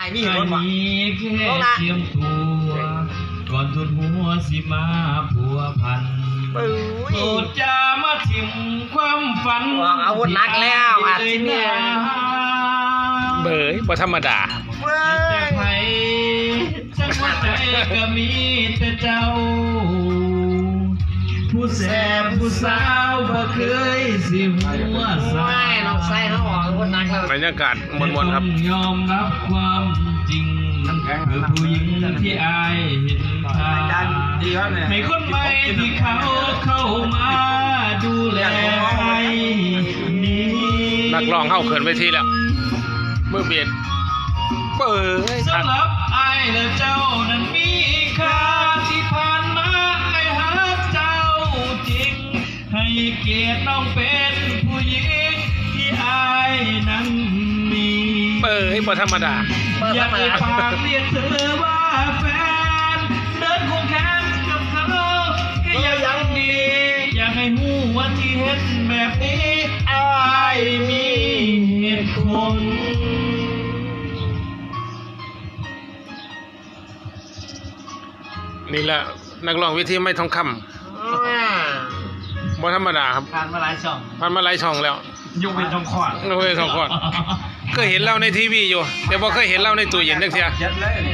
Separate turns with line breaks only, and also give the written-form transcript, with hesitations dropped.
อ้นี่เห็นรถวะ
แค่เตรียมตัวก่อนทุนหัวสิมาผัวพันโปรดจะมาถิ่มความฝัน
อาวุธนักแล้วอาทิตย์เนี่ย
เบยบ่ธรรมดา
เว้
จะ
ย
ไผจังหัวใจก็มีแต่เจ้า ผู้แสบผู้สาวบ่เคยสิหัวสา
ไม่ลองใส่เขาออกอาวุธนักแล้ว
บรรยากาศมวลๆครับ
แต่ต้องยอมรับความจริงคือผู้หญิงที่อายเห็นค่าให้คนใหม่ที่เขาเข้ามาดูแลให้นี้
นักร้องเข้าเขินเวทีแล้วมือเบียดเบยทัก
สำหรับอายและเจ้านั้นมีค่าที่ผ่านมาไอ้หาเจ้าจริงให้เกียรติน้องเป็นผู้หญิงที่อายนั้นมี
เบยบ่ธรรมดา
อยากให้ปากเรียกเธอว่าแฟนเดินคงแขนกับเขาก็ยังดีอยากให้หูว่าที่เห็นแบบนี้อายมีเหตุผล
นี่แหละนักร้องวิธีไม่ทองคำบ่ธรรมดาครับ
ผ่านมาหลายช่อง
มันมาหลายช่องแล้ว
ยกเป็นช่องคลอด
ยกเว้นช่องคลอด เคยเห็นเราในทีวีอยู่แต่บ่เคยเห็นเราในตู้เย็นจักเที่ย
ยัดเลย